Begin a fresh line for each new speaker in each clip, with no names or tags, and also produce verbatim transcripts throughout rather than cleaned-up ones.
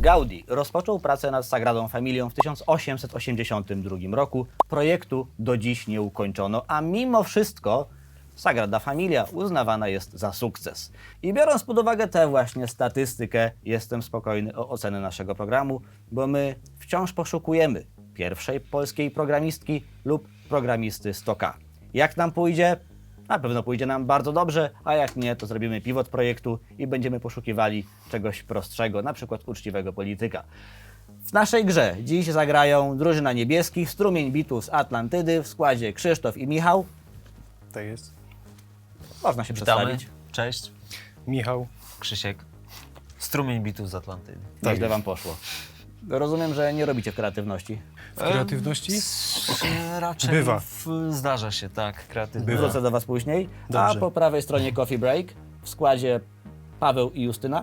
Gaudí rozpoczął pracę nad Sagradą Familią w tysiąc osiemset osiemdziesiątym drugim roku. Projektu do dziś nie ukończono, a mimo wszystko Sagrada Familia uznawana jest za sukces. I biorąc pod uwagę tę właśnie statystykę, jestem spokojny o ocenę naszego programu, bo my wciąż poszukujemy pierwszej polskiej programistki lub programisty sto K. Jak nam pójdzie? Na pewno pójdzie nam bardzo dobrze, a jak nie, to zrobimy pivot projektu i będziemy poszukiwali czegoś prostszego, na przykład uczciwego polityka. W naszej grze dziś zagrają drużyna niebieskich, strumień bitu z Atlantydy w składzie Krzysztof i Michał.
Tak jest.
Można się
Witamy.
przedstawić.
Cześć.
Michał.
Krzysiek. Strumień bitu z Atlantydy.
Nieźle wam poszło. Rozumiem, że nie robicie kreatywności.
W kreatywności?
E, raczej
Bywa.
W, zdarza się, tak, kreatywnie.
Bywa.
Wrócę do was później.
Dobrze.
A po prawej stronie Coffee Break w składzie Paweł i Justyna.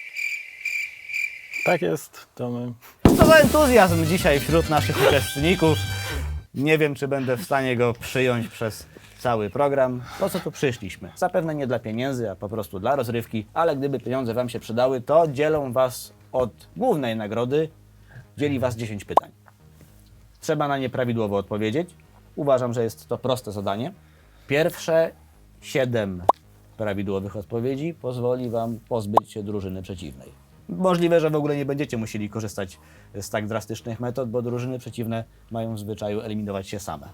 Tak jest. To my.
Co za entuzjazm dzisiaj wśród naszych uczestników. Nie wiem, czy będę w stanie go przyjąć przez cały program. Po co tu przyszliśmy? Zapewne nie dla pieniędzy, a po prostu dla rozrywki, ale gdyby pieniądze wam się przydały, to dzielą was od głównej nagrody, dzieli was dziesięć pytań. Trzeba na nie prawidłowo odpowiedzieć. Uważam, że jest to proste zadanie. Pierwsze siedem prawidłowych odpowiedzi pozwoli wam pozbyć się drużyny przeciwnej. Możliwe, że w ogóle nie będziecie musieli korzystać z tak drastycznych metod, bo drużyny przeciwne mają w zwyczaju eliminować się same.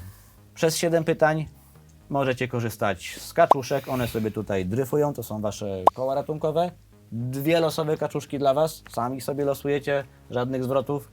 Przez siedem pytań możecie korzystać z kaczuszek. One sobie tutaj dryfują, to są wasze koła ratunkowe. Dwie losowe kaczuszki dla was, sami sobie losujecie, żadnych zwrotów.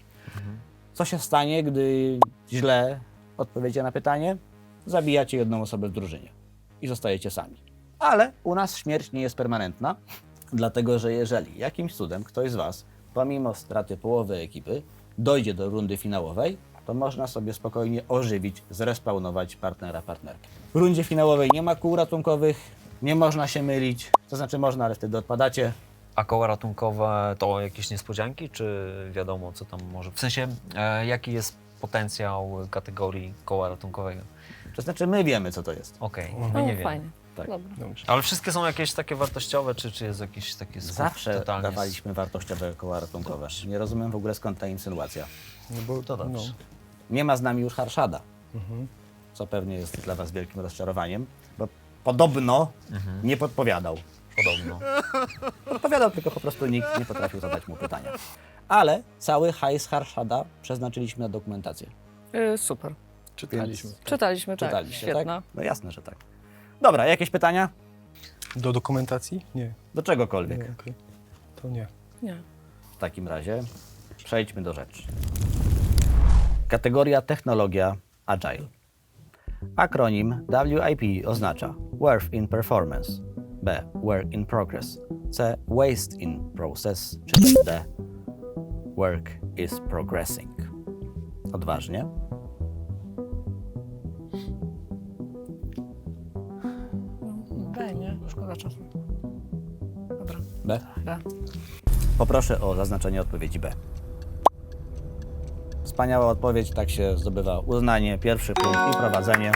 Co się stanie, gdy źle odpowiecie na pytanie? Zabijacie jedną osobę w drużynie i zostajecie sami. Ale u nas śmierć nie jest permanentna, dlatego że jeżeli jakimś cudem ktoś z was, pomimo straty połowy ekipy, dojdzie do rundy finałowej, to można sobie spokojnie ożywić, zrespawnować partnera, partnerkę. W rundzie finałowej nie ma kół ratunkowych, nie można się mylić, to znaczy można, ale wtedy odpadacie.
A koła ratunkowe to jakieś niespodzianki, czy wiadomo, co tam może... W sensie, e, jaki jest potencjał kategorii koła ratunkowego?
To znaczy my wiemy, co to jest.
Okej,
Mhm.
my
No,
nie wiemy.
fajnie.
Tak.
Dobra.
Dobrze.
Ale wszystkie są jakieś takie wartościowe, czy, czy jest jakieś takie skup
Zawsze
totalnie... z-
dawaliśmy wartościowe koła ratunkowe. Nie rozumiem w ogóle, skąd ta insynuacja.
No bo,
To dobrze.
No.
Nie ma z nami już Harszada,
Mhm.
co pewnie jest dla was wielkim rozczarowaniem, bo podobno
Mhm.
nie podpowiadał.
Podobno.
Podpowiadał, tylko po prostu nikt nie potrafił zadać mu pytania. Ale cały hajs Harszada przeznaczyliśmy na dokumentację.
Y, super.
Czytaliśmy.
Czytaliśmy, tak.
Czytaliście,
Świetna.
tak? No jasne, że tak. Dobra, jakieś pytania?
Do dokumentacji? Nie.
Do czegokolwiek.
Nie, okej. To nie.
Nie.
W takim razie przejdźmy do rzeczy. Kategoria technologia Agile. Akronim W I P oznacza Work in Performance, B. Work in Progress, C. Waste in Process, czy też D. Work is Progressing. Odważnie.
B, nie? Szkoda czasu. Dobra.
B.
B.
Poproszę o zaznaczenie odpowiedzi B. Wspaniała odpowiedź, tak się zdobywa uznanie, pierwszy punkt i prowadzenie.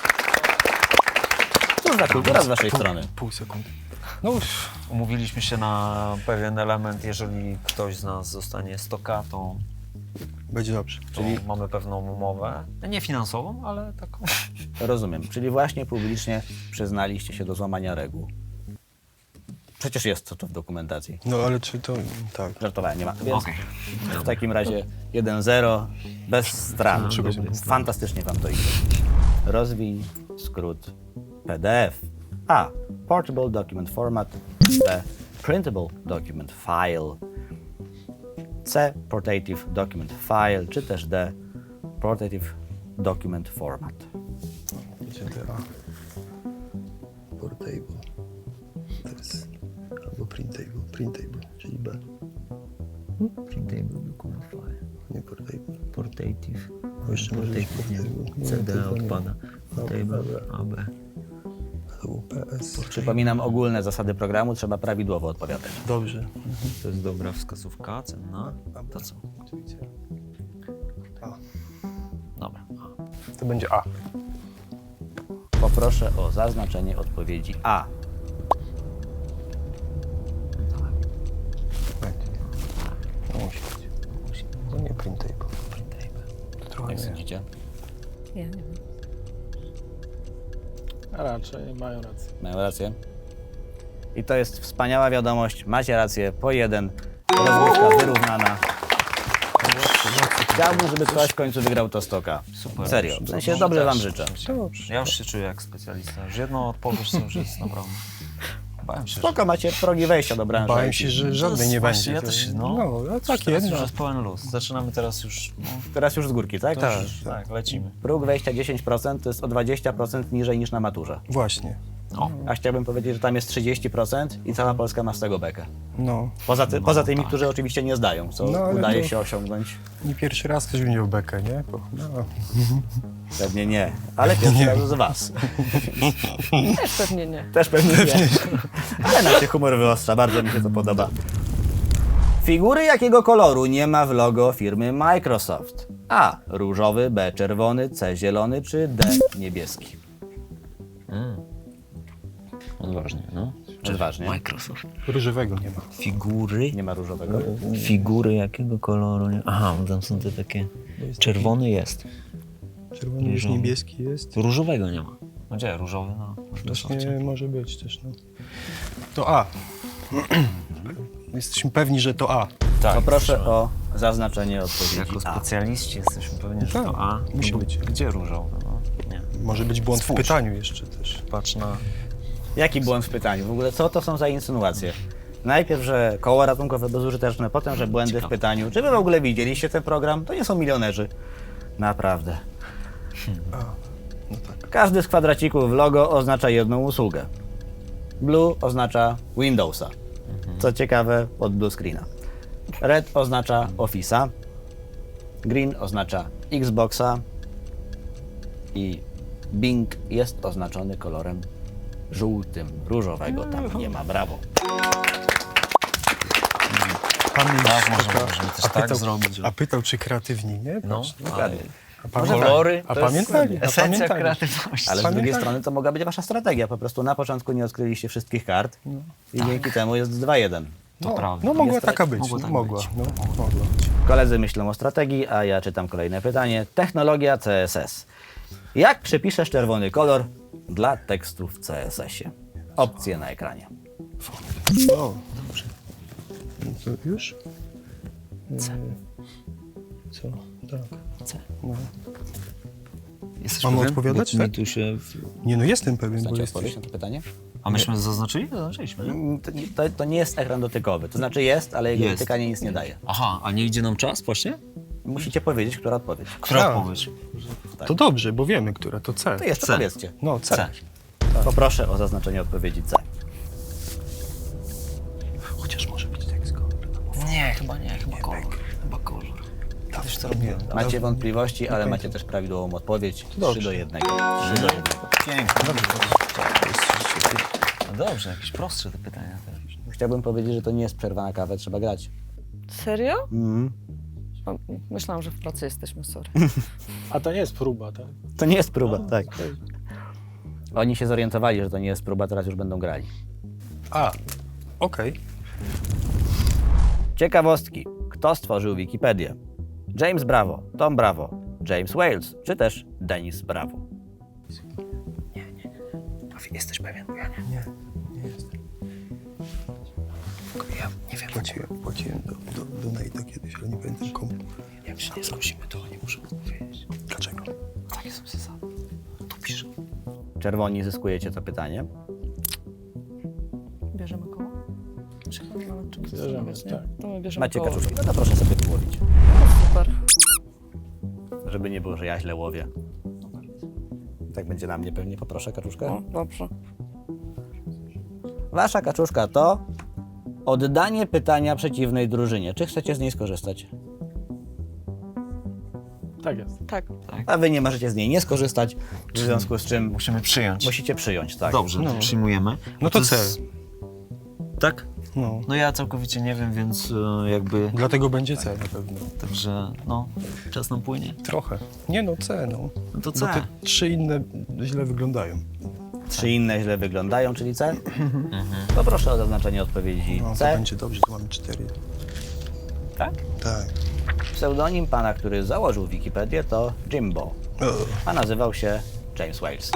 Cóż za kultura z waszej strony.
Pół sekundy. No już.
Umówiliśmy się na pewien element, jeżeli ktoś z nas zostanie sto K, to,
Będzie dobrze.
to mamy pewną umowę. Nie finansową, ale taką.
Rozumiem, czyli właśnie publicznie przyznaliście się do złamania reguł. Przecież jest to, to w dokumentacji.
No ale czy to... Tak.
Żartowałem, nie ma. Więc
Okej.
w takim razie jeden zero, bez strat.
Trzeba się bez strat.
Fantastycznie wam to idzie. Rozwij skrót P D F. A. Portable Document Format. B. Printable Document File. C. Portative Document File, czy też D. Portative Document Format.
Będzie D A.
Portable. To jest albo printable, printable, czyli B.
Printable document file.
Nie portable.
Portative.
Bo jeszcze może być portable.
C D
Nie, tylko nie.
odpada. Portable,
Dobra.
A B.
Albo P S.
Przypominam ogólne zasady programu, trzeba prawidłowo odpowiadać.
Dobrze.
To jest dobra wskazówka, cenna. To co?
A.
Dobra.
To będzie A.
Poproszę o zaznaczenie odpowiedzi A. myślicie?
Ja nie wiem.
A raczej mają rację.
Mają rację. I to jest wspaniała wiadomość. Macie rację. Po jeden. Rozgrywka wyrównana. Chciałbym, żeby ktoś w końcu wygrał to stoka.
Super.
Serio. W sensie dobrze wam życzę.
Dobrze.
Ja już się czuję jak specjalista. Już jedną odpowiedź to już jest naprawdę. Bałem się,
Spoko, macie progi wejścia do branży.
Bałem
I T.
się, że
To
żadnej
jest
nie
właśnie,
będzie.
ja też się- no.
no, no tak
Teraz
jedno.
już jest pełen luz. Zaczynamy teraz już. No,
Teraz już z górki, tak?
to już, tak, lecimy.
Próg wejścia dziesięć procent to jest o dwadzieścia procent niżej niż na maturze.
Właśnie.
O,
A chciałbym powiedzieć, że tam jest trzydzieści procent i cała Polska ma z tego bekę.
No,
Poza, ty, poza tymi,
tak.
którzy oczywiście nie zdają, co
No, ale
udaje
to-
się osiągnąąć.
nie pierwszy raz ktoś będzie w bekę, nie? Bo, no.
Pewnie nie, ale pierwszy raz z was.
Też pewnie nie.
Też pewnie nie. Ale nam się humor wyostrza, bardzo mi się to podoba. Figury jakiego koloru nie ma w logo firmy Microsoft? A. Różowy, B. Czerwony, C. Zielony czy D. Niebieski?
odważnie, no.
Odważnie.
Microsoft.
Różowego nie ma.
Figury.
Nie ma różowego.
Figury jakiego koloru? Nie? Aha, bo tam są te takie. Czerwony jest.
Czerwony już
Różowy.
niebieski jest.
Różowego nie ma. No gdzie? Różowy? No. w Microsoftie.
Właśnie może być też, no. To A. Jesteśmy pewni, że to A.
Tak.
Poproszę o zaznaczenie odpowiedzi
Jako
A.
specjaliści jesteśmy pewni, że
Tak,
to A.
musi
No bo
być.
Gdzie różowy? No, nie.
Może być błąd
Spójrz.
w pytaniu jeszcze też.
Patrz na.
Jaki błąd w pytaniu? W ogóle co to są za insynuacje? Najpierw, że koło ratunkowe bezużyteczne, potem, że błędy w
Ciekawe.
pytaniu. Czy wy w ogóle widzieliście ten program? To nie są milionerzy. Naprawdę.
A. No tak.
Każdy z kwadracików w logo oznacza jedną usługę. Blue oznacza Windowsa. Co ciekawe, od blue screena. Red oznacza Office'a. Green oznacza Xboxa. I Bing jest oznaczony kolorem żółtym. Różowego tam nie ma. Brawo.
Pamięć
Tak, można,
taka-
możemy też
a
tak
pytał,
zrobić. że-
A pytał, czy kreatywni, nie?
No,
Patrz,
Dokładnie.
A, pamię-
Kolory.
a
to jest
pamiętali, a
Esencja
pamiętali.
kreatywności.
Ale z drugiej
Pamiętaj.
strony to mogła być wasza strategia. Po prostu na początku nie odkryliście wszystkich kart i dzięki temu jest dwa jeden.
To
no,
prawda.
No mogła
Jest
taka
tak-
być,
mogło
no,
tak
mogła.
być.
No, mogła być.
Koledzy myślą o strategii, a ja czytam kolejne pytanie. Technologia C S S. Jak przepiszesz czerwony kolor dla tekstu w C S S ie? Opcje na ekranie.
O, dobrze. No to już? C. Co? Tak.
C.
No.
Jesteś
Mamy
pewien?
odpowiadać,
Bo mi
tak?
tu się...
Nie no, jestem pewien, bo
Chcecie
jesteś...
odpowiedzieć na to pytanie?
A myśmy zaznaczyli? Zaznaczyliśmy, nie?
Mm, To, nie- to, to nie jest ekran dotykowy. To znaczy jest, ale jego
Jest.
dotykanie nic nie daje.
Aha, a nie idzie nam czas właśnie?
Musicie powiedzieć, która odpowiedź.
Która
Tak.
odpowiedź?
To dobrze, bo wiemy, która to C.
To jeszcze
C.
powiedzcie.
No, C.
C.
Poproszę o zaznaczenie odpowiedzi C.
Chociaż może być tekst kolor.
Nie, chyba nie, chyba kolor. Chyba kolor. Kiedyś to robiłem.
Macie wątpliwości, ale macie też prawidłową odpowiedź. trzy do jednego. trzy do jednego.
Pięknie. No dobrze, jakieś prostsze te pytania teraz.
Chciałbym powiedzieć, że to nie jest przerwa na kawę, trzeba grać.
Serio?
Mhm.
O, myślałam, że w pracy jesteśmy, sorry.
A to nie jest próba, tak?
To nie jest próba, tak. Oni się zorientowali, że to nie jest próba, teraz już będą grali.
A, okej.
Ciekawostki. Kto stworzył Wikipedię? James Bravo, Tom Bravo, James Wales, czy też Dennis Bravo?
Jesteś pewien?
Nie, nie jestem.
Ja nie wiem.
Płaciłem, płaciłem do, do, do Nate'a kiedyś, ale nie pamiętam komu.
Jak się nie zgłosimy, to oni muszą odpowiedzieć.
Dlaczego?
Takie są zasady. Tu piszę.
Czerwoni zyskujecie to pytanie.
Bierzemy koło? Czy mamy nad czym
Bierzemy,
zastanawiać, nie?
tak.
To my bierzemy
Macie
koło.
kaczuszki, no to proszę sobie wyłowić.
Super.
Żeby nie było, że ja źle łowię. Tak będzie na mnie pewnie. Poproszę kaczuszkę.
O, dobrze.
Wasza kaczuszka to oddanie pytania przeciwnej drużynie. Czy chcecie z niej skorzystać?
Tak jest.
Tak.
A wy nie możecie z niej nie skorzystać, w związku z czym
Musimy przyjąć.
musicie przyjąć, tak.
Dobrze,
No.
to przyjmujemy.
No to C.
jest- Tak?
No.
No ja całkowicie nie wiem, więc e, jakby...
Dlatego będzie C na pewno.
Także no, czas nam płynie.
Trochę. Nie no, C, no.
No to
Bo
C.
te trzy inne źle wyglądają.
Trzy inne źle wyglądają, czyli C? Poproszę o zaznaczenie odpowiedzi
No, to
C.
będzie dobrze, to mamy cztery.
Tak?
Tak.
Pseudonim pana, który założył Wikipedię, to Jimbo, a nazywał się James Wales.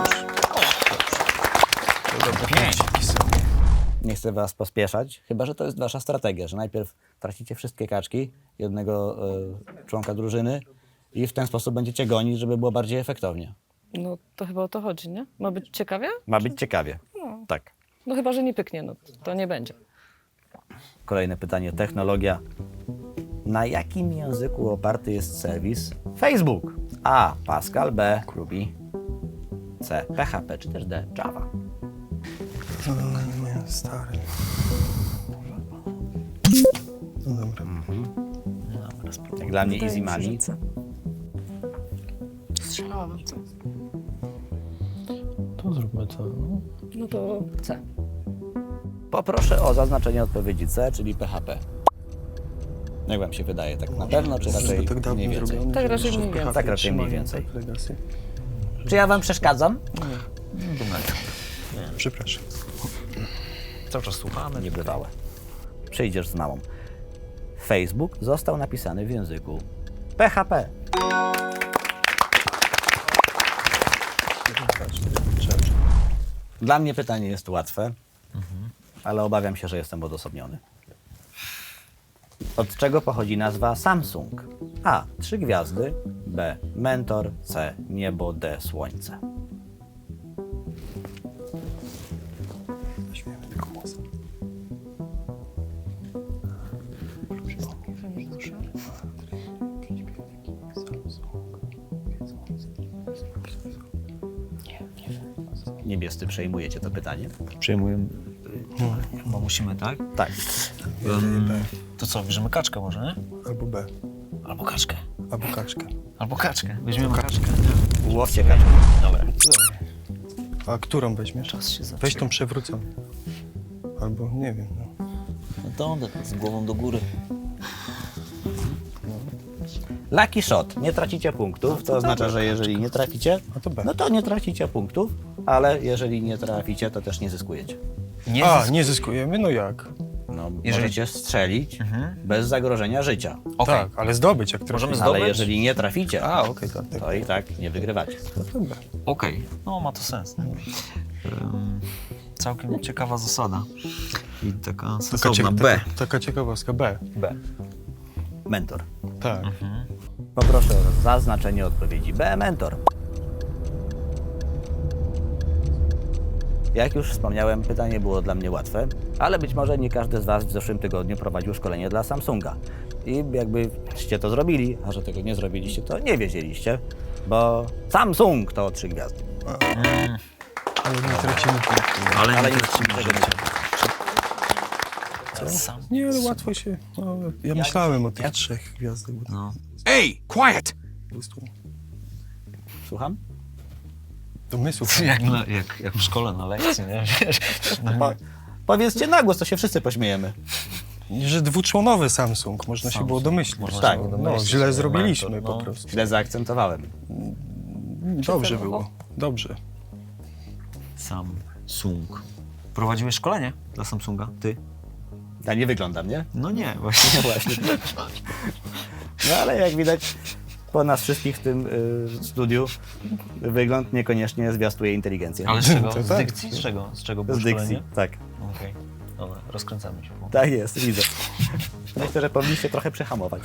Nie chcę was pospieszać, chyba że to jest wasza strategia, że najpierw tracicie wszystkie kaczki jednego e, członka drużyny i w ten sposób będziecie gonić, żeby było bardziej efektownie.
No to chyba o to chodzi, nie? Ma być ciekawie?
Ma być ciekawie. Tak.
No chyba, że nie pyknie, no to nie będzie.
Kolejne pytanie, technologia. Na jakim języku oparty jest serwis Facebook? A. Pascal, B. Ruby, C. P H P czy też D. Java.
No, nie, stary. No dobra.
Jak dla mnie
Wydaje
easy
mi się,
money.
że C. Strzelałabym C.
To zróbmy to. No.
No to C.
Poproszę o zaznaczenie odpowiedzi C, czyli P H P. Jak wam się wydaje, tak na pewno, czy raczej
tak dawno
mniej więcej?
zrobiony,
Tak
że
raczej
jeszcze
mniej
w P H P
więcej.
Tak raczej mniej
trzymają,
więcej.
tak, legacy.
Czy ja wam przeszkadzam?
Przepraszam.
Cały czas słuchamy.
Niebywałe. Przyjdziesz z mamą. Facebook został napisany w języku P H P. Dla mnie pytanie jest łatwe, ale obawiam się, że jestem odosobniony. Od czego pochodzi nazwa Samsung? A. Trzy gwiazdy. B. Mentor. C. Niebo. D. Słońce.
Weźmiemy tylko głos.
Niebiescy przejmujecie to pytanie?
Przyjmujemy. Chyba musimy, tak?
Tak.
Um, to co, bierzemy kaczkę może, nie?
Albo B.
Albo kaczkę.
Albo kaczkę.
Albo kaczkę. Weźmiemy kaczkę.
Łowcie kaczkę.
Dobra.
A którą weźmiesz?
Czas się zaczyna.
Weź tą przewróconą. Albo nie wiem, no.
No to z głową do góry.
Lucky shot. Nie tracicie punktów, to oznacza, że jeżeli nie traficie,
A to B.
no to nie tracicie punktów, ale jeżeli nie traficie, to też nie zyskujecie.
Nie
A,
zysk-
nie zyskujemy? No jak?
No,
Jeżeli-
możecie strzelić
Mhm.
bez zagrożenia życia,
Okej.
Tak, ale zdobyć jak
Możemy
trafimy.
zdobyć?
ale jeżeli nie traficie,
A, okej, tak, tak.
to i tak nie wygrywacie.
No to B.
Okej. No ma to sens. Nie? Um, całkiem ciekawa zasada. I taka
Taka,
sensowna.
cie-
B.
taka, taka ciekawostka. B.
B.
Mentor.
Tak.
Poproszę o zaznaczenie odpowiedzi B. Mentor. Jak już wspomniałem, pytanie było dla mnie łatwe, ale być może nie każdy z Was w zeszłym tygodniu prowadził szkolenie dla Samsunga. I jakbyście to zrobili, a że tego nie zrobiliście, to nie wiedzieliście, bo Samsung to trzy gwiazdy.
Ale nie tracimy punktu.
Ale,
Ale
nie
nie
tracimy
tego
życia.
nie
Sam.
Nie, ale łatwo się... No, ja myślałem o tych trzech gwiazdach. Bo to
No.
Hey, quiet!
po prostu
Słucham?
domysłów.
Jak, na, jak, jak w szkole na lekcji, nie? Wiesz?
Po, powiedzcie na głos, to się wszyscy pośmiejemy.
Że dwuczłonowy Samsung, można się
Samsung.
było domyślić.
Można
Tak.
się było
No,
domyślić,
źle
że
zrobiliśmy
mentor,
po
no.
prostu.
Źle zaakcentowałem.
Dobrze było. Dobrze.
Samsung. Prowadziłeś szkolenie dla Samsunga? Ty?
Ja nie wyglądam, nie?
No nie, właśnie.
Właśnie. No ale jak widać, po nas wszystkich w tym y, studiu wygląd niekoniecznie zwiastuje inteligencję.
Ale z czego?
To
Z
tak.
dykcji? Z czego? Z czego było
Z dykcji,
szkolenie?
tak.
Okej. Dobra, rozkręcamy się.
Tak jest, widzę. Myślę, że powinniście trochę przyhamować.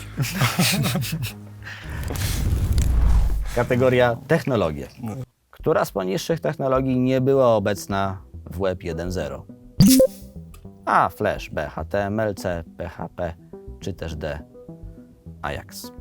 Kategoria technologie. Która z poniższych technologii nie była obecna w Web jeden zero? A. Flash, B. H T M L, C. P H P, czy też D. Ajax.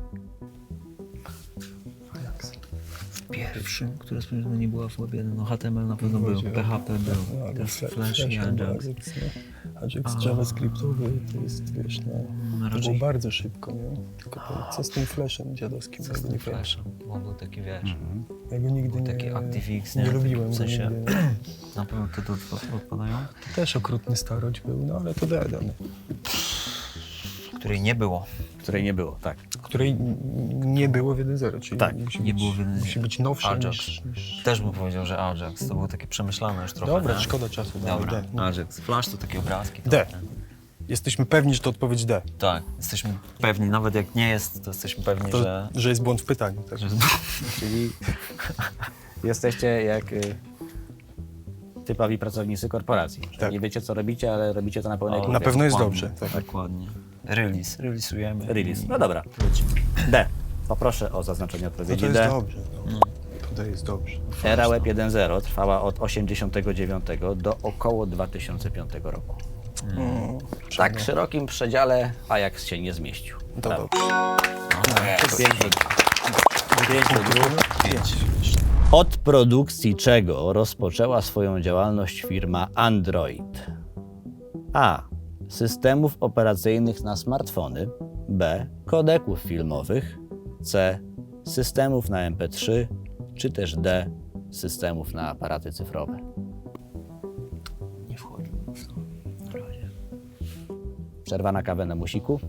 Pierwszym, które sprawdzone nie była w Web jeden, no H T M L na pewno był, P H P był, też Flash i Ajax.
Ajax JavaScriptowy to jest, wiesz, no, to
Raczej-
było bardzo szybko, nie? Tylko to, co z tym flashem dziadowskim?
Co
Ja
z
go
tym
nie pamiętam.
Flashem? On był taki, wiesz,
Ja go nigdy nie,
taki ActiveX,
nie
nie?
lubiłem.
W
go
sensie-
nigdy.
na pewno te tu odpa- odpadają,
To też okrutny starość był, no ale to dodane.
której nie było.
Której nie było, tak.
Której n- nie było w jeden zero, czyli
Tak,
musi
nie
być,
było w jeden zero.
musi być nowsze
Ajax.
niż, niż...
Też bym powiedział, że Ajax, to było takie przemyślane już trochę.
Dobra,
nie?
szkoda czasu. dawaj
Dobra,
D. No.
Ajax. Flash to takie obrazki. to
D.
ten.
Jesteśmy pewni, że to odpowiedź D.
Tak, jesteśmy pewni, nawet jak nie jest, to jesteśmy pewni,
To,
że...
że jest błąd w pytaniu. Tak?
że...
Czyli jesteście jak y, typowi pracownicy korporacji. Że
Tak.
Nie wiecie, co robicie, ale robicie to na pełnej
O,
głowie.
Na pewno jest
Dokładnie,
dobrze. Tak.
Dokładnie. Release, releasujemy.
Release.
i
No dobra.
lecimy.
D. Poproszę o zaznaczenie
No
odpowiedzi
to jest
D.
dobrze. No. To D jest dobrze.
Era Web jeden zero trwała od osiemdziesiątego dziewiątego do około dwa tysiące piątego roku.
Mm.
W tak szerokim przedziale Ajax się nie zmieścił.
To
Brawo.
dobrze.
Pięć do Pięć do dwóch. Od produkcji czego rozpoczęła swoją działalność firma Android? A. Systemów operacyjnych na smartfony. B. Kodeków filmowych. C. Systemów na em pe trzy. Czy też D. Systemów na aparaty cyfrowe.
Nie wchodzi w to. Na razie.
Przerwa na kawę na musiku.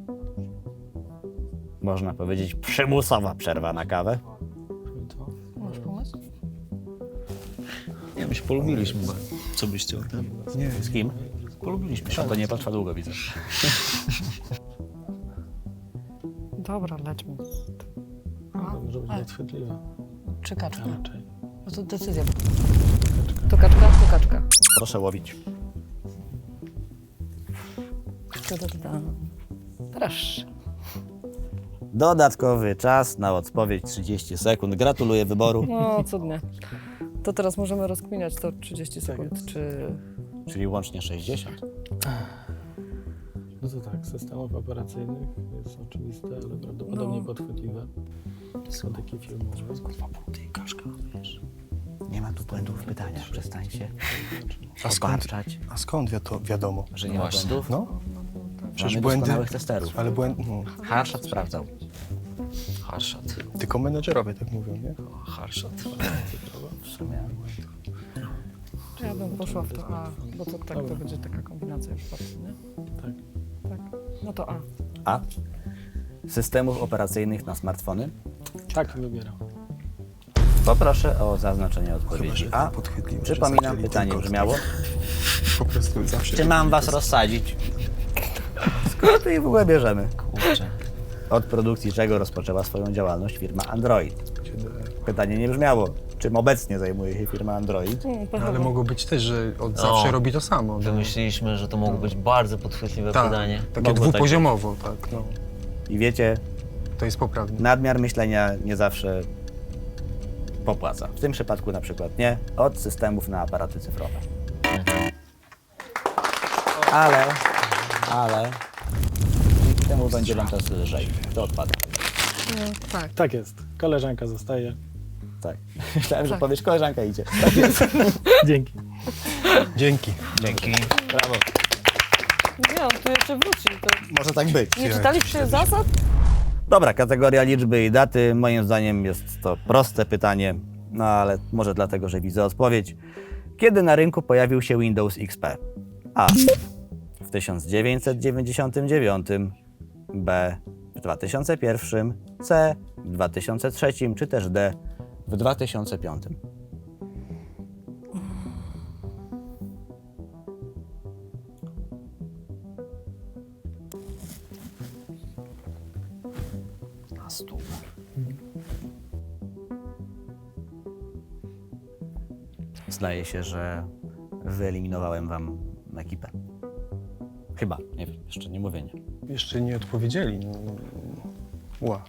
Można powiedzieć przymusowa przerwa na kawę.
Masz pomysł?
Nie, my się polubiliśmy, bo co byście o tym?
Nie,
Z kim?
Polubiliśmy się.
To nie potrwa długo, widzę.
Dobra, lećmy.
To może być nadchwytliwe.
Czy kaczka?
Raczej.
No to decyzja. To kaczka, to kaczka.
Proszę łowić.
Da, da, da, da. Proszę.
Dodatkowy czas na odpowiedź trzydzieści sekund. Gratuluję wyboru.
No, cudnie. To teraz możemy rozkminiać to trzydzieści sekund, czy...
Czyli łącznie sześćdziesiąt.
No to tak, systemów operacyjnych jest oczywiste, ale prawdopodobnie
No.
podchwytliwe. Są takie filmowe.
Nie ma tu błędów w pytaniach. Przestańcie
A skąd,
obarczać,
a skąd wi- to wiadomo?
że nie ma
Właśnie.
błędów.
No, przecież
Mamy
błędy,
doskonałych testerów.
ale błędy, no,
Harshad sprawdzał.
Harshad.
tylko menedżerowie tak mówią, nie?
Harshad.
W sumie.
Ja bym poszła w to A, bo to tak to będzie taka kombinacja już bardziej, nie?
Tak.
Tak. No to A.
A. Systemów operacyjnych na smartfony.
Tak wybieram.
Poproszę o zaznaczenie
Chyba,
odpowiedzi
że
A.
tak podchwytliwe, że
Przypominam,
zaczęli
pytanie
tylko-
brzmiało.
Po prostu zawsze...
Czy mam was rozsadzić? Skąd my ich w ogóle bierzemy?
Kurczę.
Od produkcji czego rozpoczęła swoją działalność firma Android? Pytanie nie brzmiało, czym obecnie zajmuje się firma Android.
Mm,
No, ale
pechowo.
mogło być też, że od
No.
zawsze robi to samo. No.
Wymyśliliśmy, że to mogło być bardzo podchwytliwe
Tak,
pytanie.
takie
Mogło tak
dwupoziomowo, tak, no.
I wiecie,
To jest poprawne.
nadmiar myślenia nie zawsze popłaca. W tym przypadku na przykład nie. Od systemów na aparaty cyfrowe. Ale, ale dzięki temu będzie wam czas lżej. To odpada.
Mm, tak.
Tak jest. Koleżanka zostaje.
Tak. Myślałem, że
Tak.
powiesz, koleżanka idzie.
Dzięki.
Dzięki.
Dzięki.
Brawo.
Nie, on tu jeszcze wróci. To...
Może tak być.
Nie czytaliście zasad?
Dobra, kategoria liczby i daty. Moim zdaniem jest to proste pytanie, no ale może dlatego, że widzę odpowiedź. Kiedy na rynku pojawił się Windows X P? A. W tysiąc dziewięćset dziewięćdziesiątym dziewiątym. B. W dwa tysiące pierwszym. C. W dwa tysiące trzecim. Czy też D. W dwa tysiące piątym.
Na stół.
Zdaje się, że wyeliminowałem wam ekipę. Chyba, nie wiem, jeszcze nie mówię nie.
Jeszcze nie odpowiedzieli. No. Ła.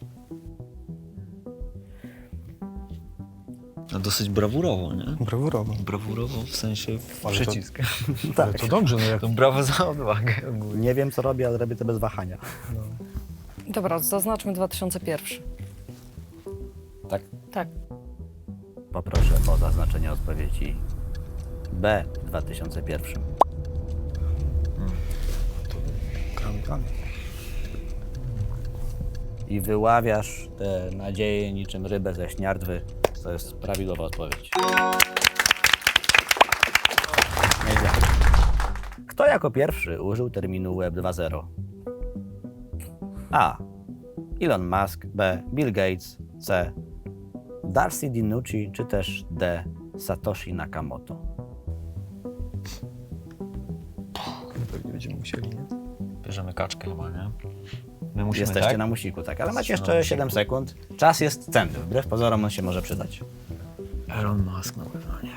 No dosyć brawurowo, nie?
Brawurowo.
Brawurowo w sensie w
Ale to-
przycisk.
Ale to dobrze, no jak...
To brawo za odwagę ogólnie.
Nie wiem, co robię, ale robię to bez wahania.
Dobra, zaznaczmy dwa tysiące pierwszy.
Tak?
Tak.
Poproszę o zaznaczenie odpowiedzi B w dwa tysiące pierwszym.
Gramy dalej.
I wyławiasz te nadzieje niczym rybę ze śniardwy. To jest prawidłowa odpowiedź. Nieźle. Kto jako pierwszy użył terminu Web dwa zero? A. Elon Musk. B. Bill Gates. C. Darcy DiNucci. Czy też D. Satoshi Nakamoto?
Pewnie będziemy musieli musieli, nie?
Bierzemy kaczkę chyba, nie? My musimy,
Jesteście
tak?
na musiku, tak, ale macie
Jesteśmy na
jeszcze
musiku.
siedem sekund. Czas jest cenny, wbrew pozorom on się może przydać.
Elon Musk na pewno nie.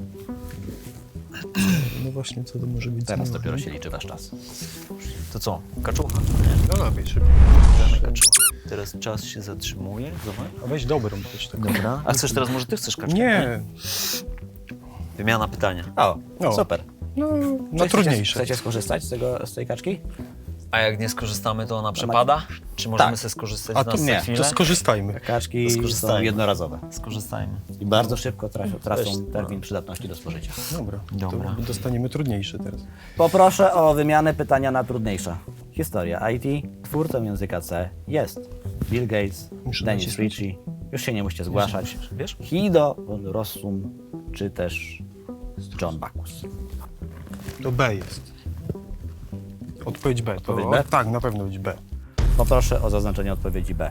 No właśnie, co to może być?
Teraz
za
dopiero
numer?
się liczy wasz czas.
To co? Kaczucha.
No dawaj, szybko.
Bierzemy kaczucha. Teraz czas się zatrzymuje. Zobacz.
A weź dobrą też taką.
Dobra. A chcesz teraz, może ty chcesz kaczkę?
Nie,
Wymiana pytania. O,
O.
super.
no, no
Chcecie-
trudniejsze.
Chcecie skorzystać z, tego, z tej kaczki?
A jak nie skorzystamy, to ona przepada? Czy możemy
Tak.
sobie skorzystać
A
z
to
nas
nie,
za
To
chwilę?
skorzystajmy.
Kaczki
To
są
skorzystajmy.
jednorazowe
Skorzystajmy.
i bardzo szybko trafią, tracą
Weź.
termin przydatności do spożycia.
Dobra,
Dobra.
to dostaniemy trudniejsze teraz.
Poproszę o wymianę pytania na trudniejsze. Historia I T. Twórcą języka C jest Bill Gates,
Muszę
Dennis
nacisnąć.
Ritchie. Już się nie musicie zgłaszać.
Wiesz?
Hido von Rossum, czy też John Bacchus.
To B jest. Odpowiedź B. To,
Odpowiedź B?
Tak, na pewno być B.
Poproszę o zaznaczenie odpowiedzi B.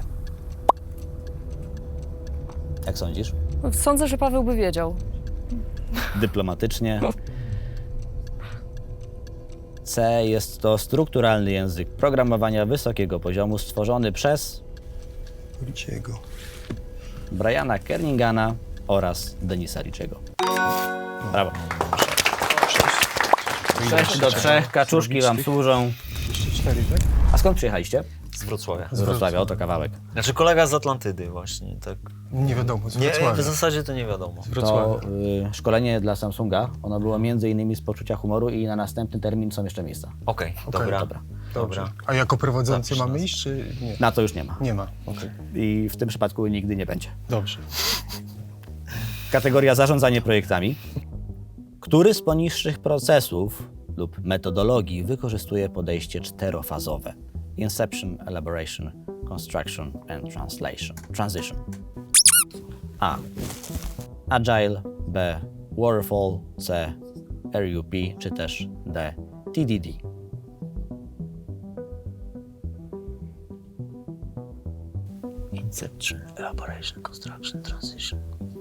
Jak sądzisz?
Sądzę, że Paweł by wiedział.
Dyplomatycznie. C jest to strukturalny język programowania wysokiego poziomu stworzony przez
Riciego.
Briana Kernigana oraz Denisa Ritchiego. Brawo. sześć do trzech, kaczuszki wam służą.
Jeszcze cztery, tak?
A skąd przyjechaliście?
Z Wrocławia.
Z Wrocławia, oto kawałek.
Znaczy kolega z Atlantydy właśnie, tak.
Nie wiadomo, z
Nie,
Wrocławia.
w zasadzie to nie wiadomo.
Z
To
Wrocławia.
y, szkolenie dla Samsunga, ono było między innymi z poczucia humoru i na następny termin są jeszcze miejsca.
Okej, dobra.
dobra.
Dobra.
Dobrze. A jako prowadzący
Zapisz
mamy
nas.
iść, czy nie?
Na to już nie ma.
Nie ma, okej.
I w tym przypadku nigdy nie będzie.
Dobrze.
Kategoria zarządzanie projektami. Który z poniższych procesów lub metodologii wykorzystuje podejście czterofazowe? Inception, Elaboration, Construction and Translation. Transition. A. Agile. B. Waterfall. C. R U P. Czy też D. T D D.
Inception, Elaboration, Construction, Transition.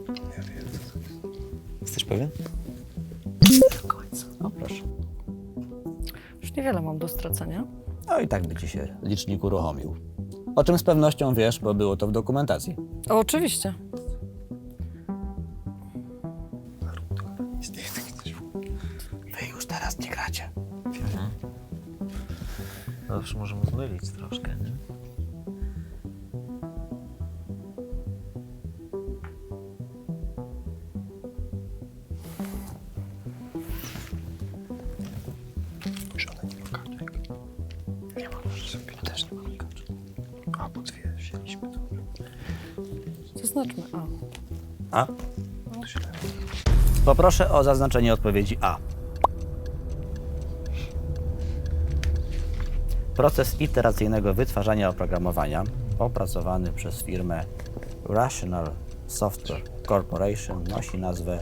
Jesteś pewien? Do końca.
No proszę.
Już niewiele mam do stracenia.
No i tak by ci się licznik uruchomił. O czym z pewnością wiesz, bo było to w dokumentacji.
O, oczywiście.
Wy już teraz nie gracie.
Zawsze możemy zmylić troszkę, nie?
Żona nie ma kaczek. Nie ma sobie też nie mamy kaczek. A, bo dwie wzięliśmy, dobra.
Zaznaczmy A.
A? Poproszę o zaznaczenie odpowiedzi A. Proces iteracyjnego wytwarzania oprogramowania opracowany przez firmę Rational Software Corporation nosi nazwę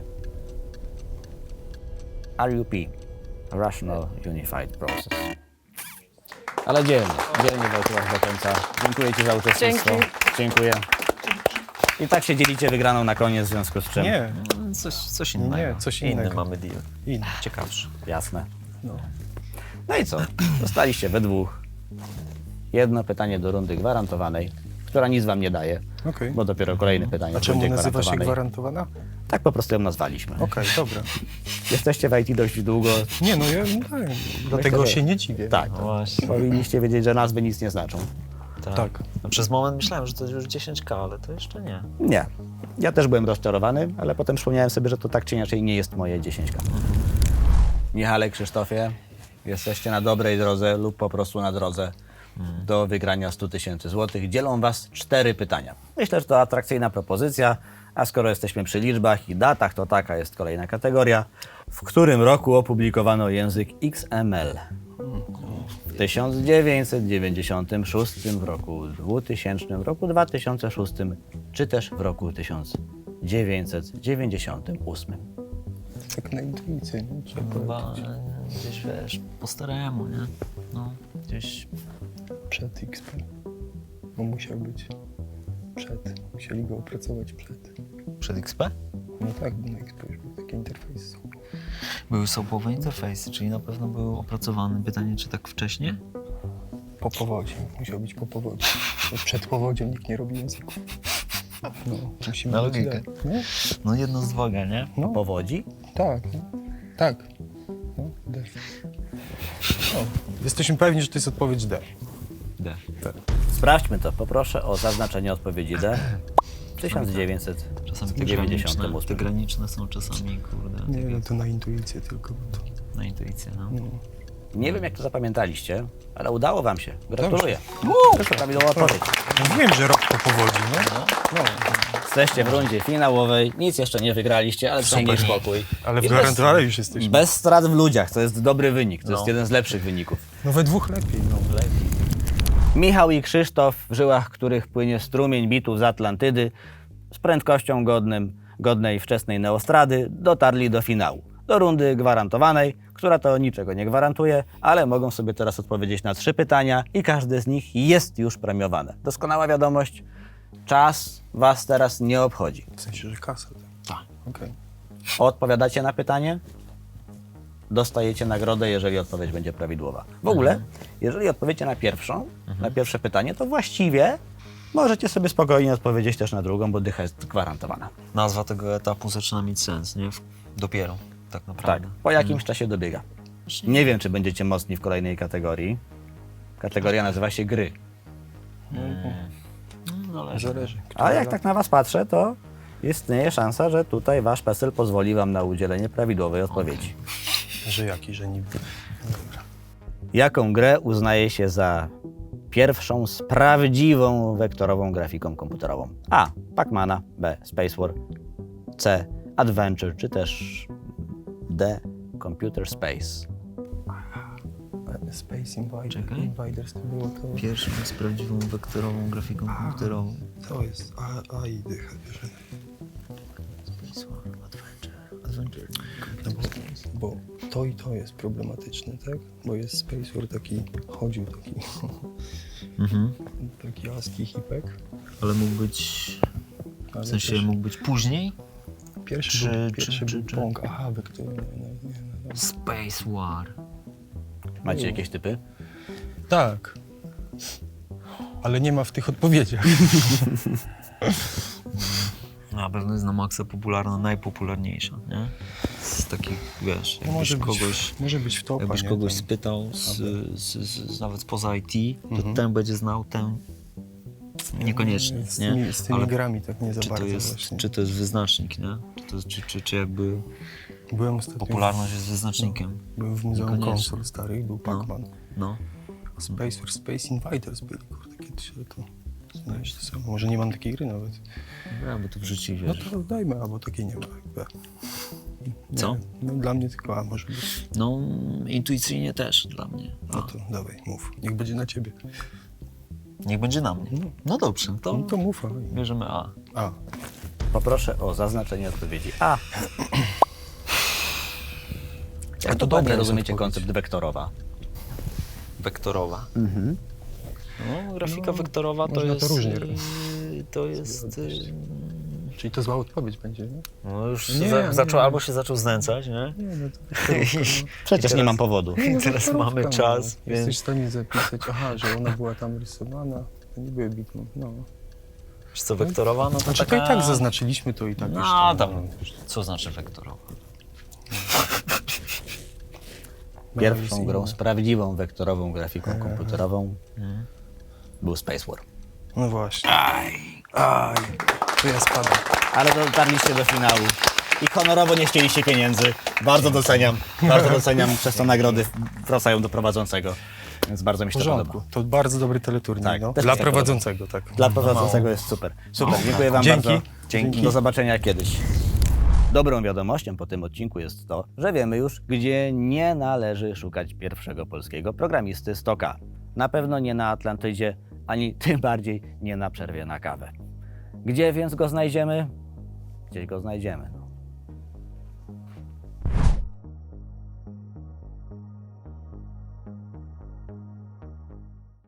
R U P, Rational Unified Process. Ale dzielnie, dzielnie Wojtław do końca. Dziękuję Ci za uczestnictwo.
Dzięki.
Dziękuję. I tak się dzielicie wygraną na koniec, w związku z czym...
Nie,
Coś, coś innego.
Nie, coś
Inny
innego.
mamy deal.
inny.
Ciekawszy.
Jasne.
No.
No i co? Zostaliście we dwóch. Jedno pytanie do rundy gwarantowanej, która nic wam nie daje,
Okej.
bo dopiero kolejne pytanie
A
w
czemu
rundzie
nazywa się
gwarantowanej.
gwarantowana?
Tak po prostu ją nazwaliśmy.
Okej, dobra.
Jesteście w I T dość długo.
Nie, no ja no, tak, dlatego
że-
się nie dziwię.
Tak.
No właśnie.
Powinniście wiedzieć, że nazwy nic nie znaczą.
Tak.
Tak.
No, przez moment myślałem, że to już dziesięć K, ale to jeszcze nie.
Nie. Ja też byłem rozczarowany, ale potem przypomniałem sobie, że to tak czy inaczej nie jest moje dziesięć K. Michale, Krzysztofie, jesteście na dobrej drodze lub po prostu na drodze do wygrania stu tysięcy złotych. Dzielą was cztery pytania. Myślę, że to atrakcyjna propozycja, a skoro jesteśmy przy liczbach i datach, to taka jest kolejna kategoria. W którym roku opublikowano język X M L? W tysiąc dziewięćset dziewięćdziesiątym szóstym, w roku dwutysięcznym, w roku dwa tysiące szóstym, czy też w roku tysiąc dziewięćset dziewięćdziesiątym ósmym.
Tak na intuicję, nie? Trzeba
Chyba
powiedzieć.
e, gdzieś, wiesz, po staremu, nie? No, gdzieś...
Przed X P. No musiał być przed. Musieli go opracować przed.
Przed X P?
No tak, bo na X P już był taki soapowe interfejsy są.
Były soapowe interfejsy, czyli na pewno były opracowane. Pytanie, czy tak wcześnie?
Po powodzi. Musiał być po powodzi. Bo przed powodzią nikt nie robi języków. No, musimy
Na
być
logikę.
D. Nie?
No jedno z dwoga, nie?
No,
Powodzi?
tak. No. Tak. No, D. No, jesteśmy pewni, że to jest odpowiedź D.
D.
Sprawdźmy to. Poproszę o zaznaczenie odpowiedzi D. W tysiąc dziewięćset
Czasami te
dziewięćdziesiątym
graniczne,
ósmym.
te graniczne są czasami, kurde,
Nie,
takie
no to na intuicję tylko. Bo to,
na intuicję, no.
no.
Nie wiem, jak to zapamiętaliście, ale udało wam się. Gratuluję.
Dobrze.
To prawidłowa odpowiedź.
Mówiłem, że rok po powodzi, no. no.
Jesteście w rundzie finałowej. Nic jeszcze nie wygraliście, ale przynajmniej
Super.
spokój.
Ale w
I
gwarantowanej już jesteśmy.
Bez strat w ludziach. To jest dobry wynik. To
No.
jest jeden z lepszych wyników.
No we dwóch lepiej, no.
Michał i Krzysztof, w żyłach których płynie strumień bitów z Atlantydy, z prędkością godnym, godnej wczesnej neostrady, dotarli do finału. Do rundy gwarantowanej, która to niczego nie gwarantuje, ale mogą sobie teraz odpowiedzieć na trzy pytania i każde z nich jest już premiowane. Doskonała wiadomość, czas was teraz nie obchodzi.
W sensie, że kasa. Tak. Okej.
Odpowiadacie na pytanie, dostajecie nagrodę, jeżeli odpowiedź będzie prawidłowa. W ogóle, jeżeli odpowiecie na pierwszą, na pierwsze pytanie, to właściwie możecie sobie spokojnie odpowiedzieć też na drugą, bo dycha jest gwarantowana.
Nazwa tego etapu zaczyna mieć sens, nie? W- Dopiero, tak
Tak,
naprawdę.
po jakimś czasie dobiega. Nie wiem, czy będziecie mocni w kolejnej kategorii. Kategoria nazywa się gry.
No, ale
Zależy.
A jak tak na was patrzę, to istnieje szansa, że tutaj wasz PESEL pozwoli wam na udzielenie prawidłowej odpowiedzi.
Że jaki, że niby.
Jaką grę uznaje się za pierwszą z prawdziwą wektorową grafiką komputerową? A. Pac-Mana, B. Space War, C. Adventure, czy też D. Computer Space.
Space Invaders,
Czekaj.
Invaders to było to.
pierwszą z prawdziwą wektorową grafiką komputerową.
To jest A, A i dycha bierze.
Space War, Adventure, Adventure,
No
Computer
bo,
Space.
bo to i to jest problematyczne, tak? Bo jest Space War taki, chodził taki,
Mhm.
taki ASCII hipek.
Ale mógł być,
Ale
w sensie
też
mógł być później?
pierwszy
czy-
był,
czy-
pierwszy
czy-
był
czy-
Pong. Aha, wektor, nie, no, nie, no, no.
Space War.
Macie jakieś typy?
Tak. Ale nie ma w tych odpowiedziach.
Na pewno jest na maksa popularna, najpopularniejsza, nie? Z takich, wiesz,
No
jakbyś
może, być,
kogoś,
może być w topa,
jakbyś
nie?
kogoś
Tam.
spytał z, z, z, z, nawet spoza I T, to
Mhm.
ten będzie znał, ten niekoniecznie,
Z
nie?
tymi, z tymi
Ale
grami tak nie za
czy to,
bardzo
jest,
właśnie.
czy to jest wyznacznik, nie? Czy, to, czy, czy, czy jakby
Byłem ostatnio
popularność jest wyznacznikiem?
Byłem w Muzeum
Niekoniecznie.
Konsol starych, był Pac-Man.
No.
Space War, Space Invaders byli, kurde, kiedyś, ale to... Znaczy, to samo. Może nie mam takiej gry nawet.
Ja, bo to wrzuci,
No
wiesz.
to dajmy, albo takiej nie ma. B. Nie,
Co?
No dla mnie tylko A może być.
No, intuicyjnie też dla mnie.
No to dawaj, mów. Niech będzie na ciebie.
Niech będzie na mnie. No dobrze, to
No to mów, a.
bierzemy A.
A.
Poproszę o zaznaczenie odpowiedzi A. Jak
to
to
dobra
dobrze
jest
rozumiecie
odpowiedź.
koncept wektorowa?
Wektorowa.
Mhm.
No, grafika
No,
wektorowa to
można
jest...
to różnie
yy,
robić.
To jest... yy,
Czyli to zła odpowiedź będzie, nie?
No już
Nie,
za,
nie.
zaczął, albo się zaczął znęcać, nie?
Nie, no to
Przecież
teraz-
nie mam powodu.
I teraz mamy czas,
Jesteś
więc...
w stanie zapisać, aha, że ona była tam rysowana. To nie były bitmap, no.
Wiesz co, wektorowa, no to
Znaczy
taka...
to i tak zaznaczyliśmy to i tak już
No,
tam.
tam, co znaczy wektorowa?
Pierwszą grą z prawdziwą wektorową grafiką komputerową
Mhm.
był Space War.
No właśnie. Aj, aj. To ja spadam.
Ale dotarliście do finału i honorowo nie chcieliście pieniędzy. Bardzo doceniam, bardzo doceniam. Przez to nagrody wracają do prowadzącego, więc bardzo mi
W
się to
porządku.
podoba.
To bardzo dobry teleturniej,
Tak,
no.
też
Dla
mi się
prowadzącego, tak.
Dla prowadzącego jest super. Super, dziękuję wam
Dzięki.
bardzo.
Dzięki.
Do zobaczenia kiedyś. Dobrą wiadomością po tym odcinku jest to, że wiemy już, gdzie nie należy szukać pierwszego polskiego programisty Stoka. Na pewno nie na Atlantydzie, ani tym bardziej nie na przerwie na kawę. Gdzie więc go znajdziemy? Gdzieś go znajdziemy. No.